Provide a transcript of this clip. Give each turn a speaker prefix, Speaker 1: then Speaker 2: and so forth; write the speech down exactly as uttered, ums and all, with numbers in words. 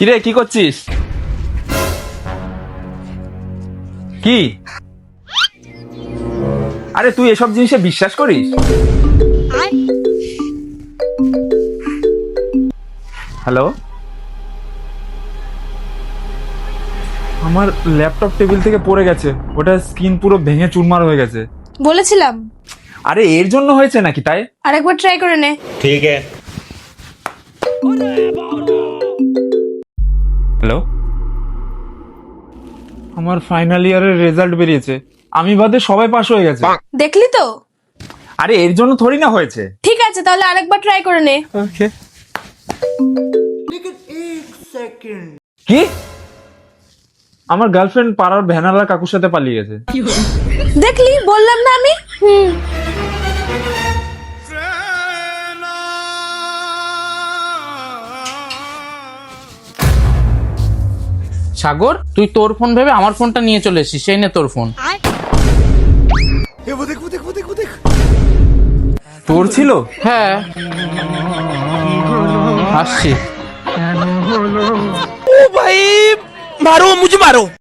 Speaker 1: কিরে কি করছিস? কি? আরে তুই এসব জিনিসে বিশ্বাস করিস? হ্যালো, আমার ল্যাপটপ টেবিল থেকে পড়ে গেছে, ওটা স্ক্রিন পুরো ভেঙে চুরমার হয়ে গেছে।
Speaker 2: বলেছিলাম।
Speaker 1: আরে এর জন্য হয়েছে নাকি তাই?
Speaker 2: আরেকবার ট্রাই করে নে।
Speaker 3: ठीक है।
Speaker 1: হ্যালো, আমার ফাইনাল ইয়ারের রেজাল্ট বেরিয়েছে, আমি বাদে সবাই পাস হয়ে গেছে।
Speaker 2: দেখলি তো?
Speaker 1: আরে এর জন্য থোড়ি না হয়েছে।
Speaker 2: ঠিক আছে, তাহলে আরেকবার ট্রাই করে নে।
Speaker 1: ওকে। কি? আমার গার্লফ্রেন্ড পাড়ার ভ্যানালা কাকুর সাথে পালিয়ে গেছে।
Speaker 2: দেখলি, বললাম না আমি। হুম।
Speaker 4: সাগর, তুই তোর ফোন ভেবে আমার ফোনটা নিয়ে চলে এসেছিস, সেই নে তোর ফোন।
Speaker 1: তোর ছিল?
Speaker 4: হ্যাঁ, আসছি।
Speaker 5: ओ भाई मारो मुझे मारो।